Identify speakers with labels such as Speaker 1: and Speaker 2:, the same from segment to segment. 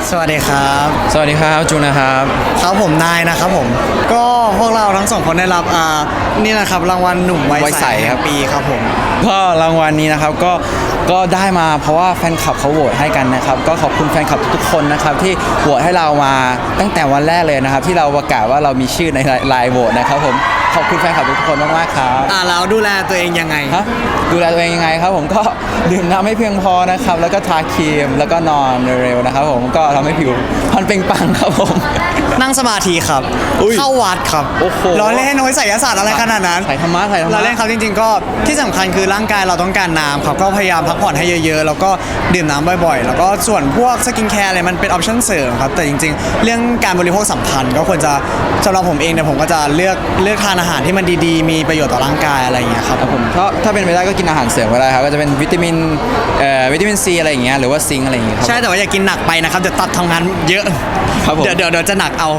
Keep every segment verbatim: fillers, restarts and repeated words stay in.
Speaker 1: สวัสดีครับ
Speaker 2: สวัสดีครับจูนนะครับ
Speaker 1: ครับผมนายนะครับผมก็พวกเราทั้งสองคนได้รับอ่านี่นะครับรางวัลหนุ่มวัยใสแห่งปีครับผม
Speaker 2: ก็รางวัลนี้นะครับก็ก็ได้มาเพราะว่าแฟนคลับเขาโหวตให้กันนะครับก็ขอบคุณแฟนคลับทุกๆคนนะครับที่โหวตให้เรามาตั้งแต่วันแรกเลยนะครับที่เราประกาศว่าเรามีชื่อในไลน์โหวตนะครับผมขอบคุณแฟนคลับทุกคนมากๆครับ
Speaker 1: อ่าแล้วดูแลตัวเองยังไง
Speaker 2: ฮะดูแลตัวเองยังไงครับผมก็ดื่มน้ำให้เพียงพอนะครับแล้วก็ทาครีมแล้วก็นอนเร็วๆนะครับผมก็ทำให้ผิวพรรณเปล่งปลั่งครับผม
Speaker 1: นั่งสมาธิครับเข้าวัดครับ
Speaker 2: โอ้โห
Speaker 1: ล้อเล่นน้อยไสยศาสตร์อะไรขนาดนั้น
Speaker 2: ใส่ธรรมะใส่ธรรมะ
Speaker 1: ล้อเล่นครับจริงๆก็ที่สำคัญคือร่างกายเราต้องการน้ำครับก็พยายามพักผ่อนให้เยอะๆแล้วก็ดื่มน้ำบ่อยๆแล้วก็ส่วนพวกสกินแคร์อะไรมันเป็นออปชั่นเสริมครับแต่จริงๆเรื่องการบริโภคสำคัญก็ควรจะสำหรับผมเองเนี่ยผมก็จะเลือกเลือกทานอาหารที่มันดีๆมีประโยชน์ต่อร่างกายอะไรอย่างเงี้ยครับ
Speaker 2: ผมเพราะถ้าเป็นไปได้ก็กินอาหารเสริมก็ได้ครับก็จะเป็นวิตามินเอ่อวิตามินซีอะไรอย่างเงี้ยหรือว่าซิงค์อะไรอย่างเงี้ย
Speaker 1: ใช่แต่ว่าอย่ากินหนักไปนะครับเดี๋ยวตับทำงานเยอะเดี๋ยวเดี๋ยวเดี๋ยวจะหนักเอา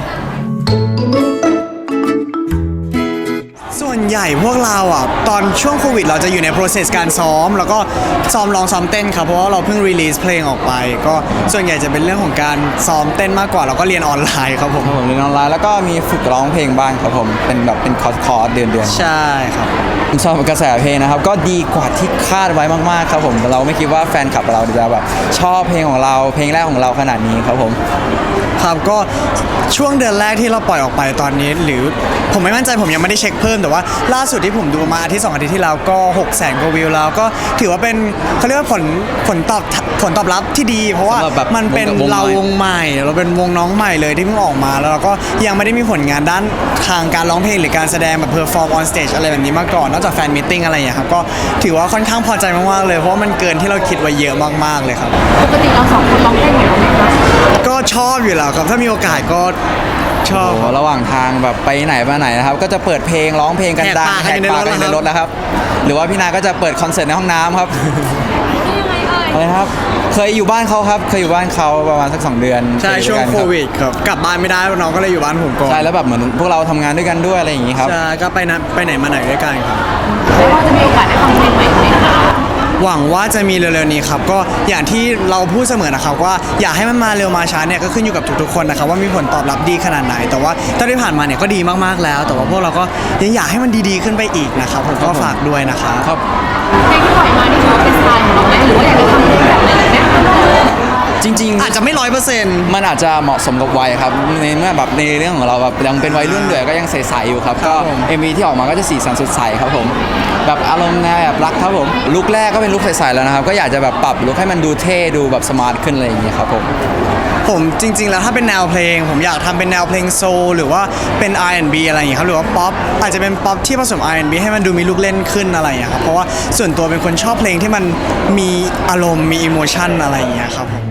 Speaker 1: ส่วนใหญ่พวกเราอ่ะตอนช่วงโควิดเราจะอยู่ใน process การซ้อมแล้วก็ซ้อมร้องซ้อมเต้นครับเพราะว่าเราเพิ่ง release เพลงออกไปก็ส่วนใหญ่จะเป็นเรื่องของการซ้อมเต้นมากกว่าแล้วก็เรียนออนไลน์ครับผม
Speaker 2: ผมเรียนออนไลน์แล้วก็มีฝึกร้องเพลงบ้างครับผมเป็นแบบเป็นคอร์สคอร์สเดือนเดือน
Speaker 1: ใช่ครับ
Speaker 2: ผมชอบกระแสเพลงนะครับก็ดีกว่าที่คาดไว้มากๆครับผมเราไม่คิดว่าแฟนคลับเราจะแบบชอบเพลงของเราเพลงแรกของเราขนาดนี้ครับผม
Speaker 1: ครับก็ช่วงเดือนแรกที่เราปล่อยออกไปตอนนี้หรือผมไม่มั่นใจผมยังไม่ได้เช็คเพิ่มแต่ว่าล่าสุดที่ผมดูมาอาทิตย์สองอาทิตย์ที่แล้วก็หกแสนกว่าวิวแล้วก็ถือว่าเป็นเขาเรียกว่าผลผลตอบผลตอบรับที่ดีเพราะว่ามันเป็นเราวงใหม่เราเป็นวงน้องใหม่เลยที่เพิ่งออกมาแล้วเราก็ยังไม่ได้มีผลงานด้านทางการร้องเพลงหรือการแสดงแบบเพอร์ฟอร์มออนสเตจอะไรแบบนี้มาก่อนนอกจากแฟนมิทติ้งอะไรอย่างเงี้ยครับก็ถือว่าค่อนข้างพอใจมากๆเลยเพราะว่ามันเกินที่เราคิดไว้เยอะมากๆเลยครับ
Speaker 3: ปกติเราสองคนร้องเพลงอยู่แล้วไหมคะ
Speaker 1: ก็ชอบอยู่แล้วครับถ้ามีโอกาสก็ชอบ
Speaker 2: ระหว่างทางแบบไปไหนมาไหนนะครับก็จะเปิดเพลงร้องเพลงกันดังแหกปากกันในรถแล้วครับหรือว่าพี่นาก็จะเปิดคอนเสิร์ตในห้องน้ำครับอะไรครับเคยอยู่บ้านเขาครับเคยอยู่บ้านเขาประมาณสักสองเดือน
Speaker 1: ใช่ช่วงโควิดครับกลับบ้านไม่ได้น้องก็เลยอยู่บ้านผมก่อน
Speaker 2: ใช่แล้วแบบเหมือนพวกเราทำงานด้วยกันด้วยอะไรอย่างนี้ครับ
Speaker 1: ใช่ก็ไปนะไปไหนมาไหนด้วยกันครับ
Speaker 3: แล้วว่าจะมีโอกาสได้ฟังเพลงใหม่ไหมคะ
Speaker 1: หวังว่าจะมีเร็วๆนี้ครับก็อย่างที่เราพูดเสมอนะครับว่าอยากให้มันมาเร็วมาช้าเนี่ยก็ขึ้นอยู่กับทุกๆคนนะครับว่ามีผลตอบรับดีขนาดไหนแต่ว่าตอนที่ผ่านมาเนี่ยก็ดีมากๆแล้วแต่ว่าพวกเราก็ยังอยากให้มันดีๆขึ้นไปอีกนะครับผมก็ฝากด้วยนะครับ
Speaker 2: ครับ
Speaker 3: เพลงที่ปล่อยมานี่ถือว่าเป็นสไตล์ของเราไหมหรือว่าอยากจะทำเพลงแบบไหนไหม
Speaker 2: จริง
Speaker 1: ๆอาจจะไม่ร้อยเปอร์เซ็นต์
Speaker 2: มันอาจจะเหมาะสมกับวัยครับในเมื่อแบบในเรื่องของเราแบบยังเป็นวัยรุ่นด้วยก็ยังใสๆอยู่ครับก็ เอ็ม วี ที่ออกมาก็จะสีสันสดใสครับผมแบบอารมณ์แนวแบบรักครับผมลุคแรกก็เป็นลุคใสๆแล้วนะครับก็อยากจะแบบปรับลุคให้มันดูเท่ดูแบบสมาร์ทขึ้นอะไรอย่างเงี้ยครับผม
Speaker 1: ผมจริงๆแล้วถ้าเป็นแนวเพลงผมอยากทำเป็นแนวเพลงโซลหรือว่าเป็น อาร์ แอนด์ บี อะไรอย่างเงี้ยครับหรือว่าป๊อปอาจจะเป็นป๊อปที่ผสม อาร์ แอนด์ บี ให้มันดูมีลูกเล่นขึ้นอะไรอย่างเงี้ยครับเพราะว่าส่วนตัวเป็นคนชอบเพลงที่มันมีอารมณ์มีอิโมชันอะไรอย่างเงี้ยครับผม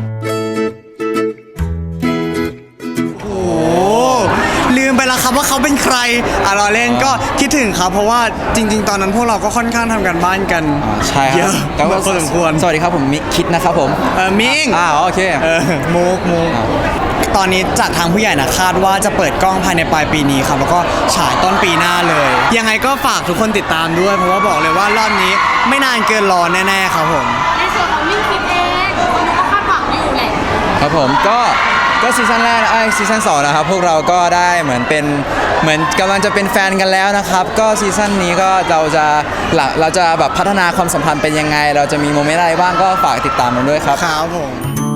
Speaker 1: ลืมไปแล้วครับว่าเขาเป็นใครอ่ะเราเล่นก็คิดถึงครับเพราะว่าจริงๆตอนนั้นพวกเราก็ค่อนข้างทำกันบ้านกัน
Speaker 2: ใช่ครับ
Speaker 1: เยอะพอสมควร
Speaker 2: สวัสดีครับผมมิกคิดนะครับผม
Speaker 1: เออมิง
Speaker 2: อ่าโอเค
Speaker 1: เออมุกมุกตอนนี้จากทางผู้ใหญ่นะคาดว่าจะเปิดกล้องภายในปลายปีนี้ครับแล้วก็ฉายต้นปีหน้าเลยยังไงก็ฝากทุกคนติดตามด้วยเพราะว่าบอกเลยว่ารอบนี้ไม่นานเกินรอแน่ๆครับผม
Speaker 3: ในส่วนของมิ่งคิดเองคนก็คาดหวังอยู่แหละ
Speaker 2: ครับผมก็ก็ซีซั่นแรกไอ้ซีซั่นสองนะครับพวกเราก็ได้เหมือนเป็นเหมือนกำลังจะเป็นแฟนกันแล้วนะครับก็ซีซั่นนี้ก็เราจะเราจะแบบพัฒนาความสัมพันธ์เป็นยังไงเราจะมีโมเมนต์อะไรบ้างก็ฝากติดตามกันด้วยครับ
Speaker 1: ครับผม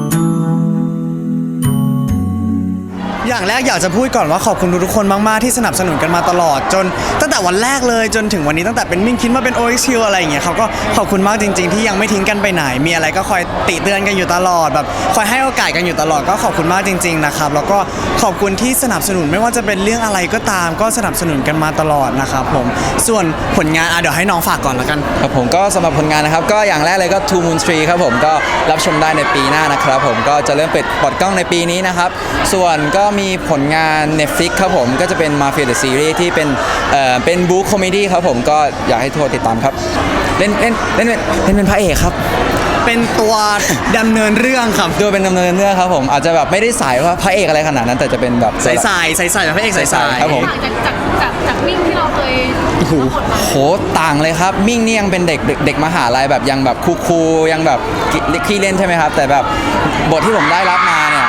Speaker 1: อย่างแรกอยากจะพูดก่อนว่าขอบคุณทุกคนมากๆที่สนับสนุนกันมาตลอดจนตั้งแต่วันแรกเลยจนถึงวันนี้ตั้งแต่เป็นมิ่งคิดมาเป็น โอ เอ็กซ์ คิว อะไรอย่างเงี้ยเขาก็ขอบคุณมากจริงๆที่ยังไม่ทิ้งกันไปไหนมีอะไรก็คอยติเตือนกันอยู่ตลอดแบบคอยให้โอกาสกันอยู่ตลอดก็ขอบคุณมากจริงๆนะครับแล้วก็ขอบคุณที่สนับสนุนไม่ว่าจะเป็นเรื่องอะไรก็ตามก็สนับสนุนกันมาตลอดนะครับผมส่วนผลงานอ่ะเดี๋ยวให้น้องฝากก่อนละกัน
Speaker 2: ครับผมก็สำหรับผลงานนะครับก็อย่างแรกเลยก็ Two Moon Tree ครับผมก็รับชมได้ในปีหน้านะครับผมก็จะเริ่มเปิดเปิดกล้องในปีนี้นะครับส่วนก็มีผลงานNetflix ครับผมก็จะเป็น Mafia The Series ที่เป็นเอ่อเป็นบู๊คอมเมดี้ครับผมก็อยากให้ทุกคนติดตามครับเล่นเล่นเล่นเป็นเล่นเป็นพระเอกครับ
Speaker 1: เป็นตัวดำเนินเรื่องครับ
Speaker 2: ตัวเป็นดำเนินเรื่องครับผมอาจจะแบบไม่ได้สายว่าพระเอกอะไรขนาดนั้นแต่จะเป็นแบบ
Speaker 1: ใส่ใส่ใส่ใส่พระเอกใส่ใส่
Speaker 2: ครับผม
Speaker 3: จากจากจากจากมิ่งที่เราเคย
Speaker 2: โหต่างเลยครับมิ่งนี่ยังเป็นเด็กเด็กมหาลัยแบบยังแบบคูลๆยังแบบขี้เล่นใช่ไหมครับแต่แบบบทที่ผมได้รับมาเนี่ย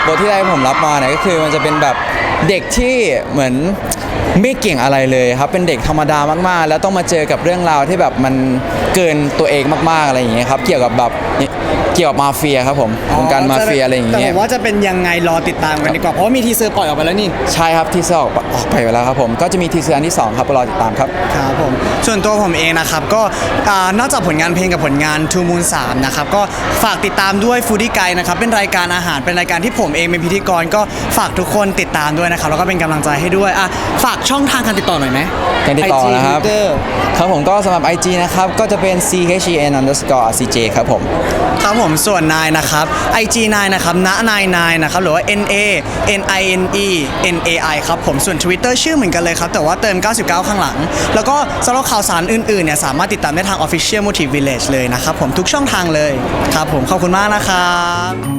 Speaker 2: บทที่ได้ผมรับมาเนี่ยก็คือมันจะเป็นแบบเด็กที่เหมือนไม่เก่งอะไรเลยครับเป็นเด็กธรรมดามากๆ แล้วต้องมาเจอกับเรื่องราวที่แบบมันเกินตัวเองมากๆอะไรอย่างเงี้ยครับเกี่ยวกับแบบเกี่ยวกับมาเฟียครับผมวงการมาเฟียอะไรอย่าง
Speaker 1: แต่
Speaker 2: เงี้
Speaker 1: ผ
Speaker 2: ย
Speaker 1: มว่าจะเป็นยังไงรอติดตามกันดีกว่าเพราะว่ามีทีเซอร์ปล่อยออกไปแล้วนี่
Speaker 2: ใช่ครับที่เซอร์ออกออกไปแล้วครับผมก็จะมีทีเซอร์อันที่สองครับรอติดตามครับ
Speaker 1: ครับผมส่วนตัวผมเองนะครับก็อ่านอกจากผลงานเพลงกับผลงาน Two Moon สามนะครับก็ฝากติดตามด้วย Foodie Guide นะครับเป็นรายการอาหารเป็นรายการที่ผมเองเป็นพิธีกรก็ฝากทุกคนติดตามด้วยนะครับแล้วก็เป็นกำลังใจให้ด้วยอ่ะฝากช่องทางการติดต่อหน่อยไหม
Speaker 2: การติดต่อ
Speaker 1: ไอจี
Speaker 2: นะครับ
Speaker 1: Twitter
Speaker 2: ครับผมก็สำหรับ ไอ จี นะครับก็จะเป็น c h e n underscore r c j ครับผม
Speaker 1: ครับผมส่วนนายนะครับ ไอ จี นายนะครับณนายนายนะครับหรือว่า N A N I N E N A I ครับผมส่วน Twitter ชื่อเหมือนกันเลยครับแต่ว่าเติมเก้าสิบเก้าข้างหลัง แล้วก็สำหรับข่าวสารอื่นๆเนี่ยสามารถติดตามได้ทาง Official Motive Village เลยนะครับผมทุกช่องทางเลยครับผมขอบคุณมากนะครับ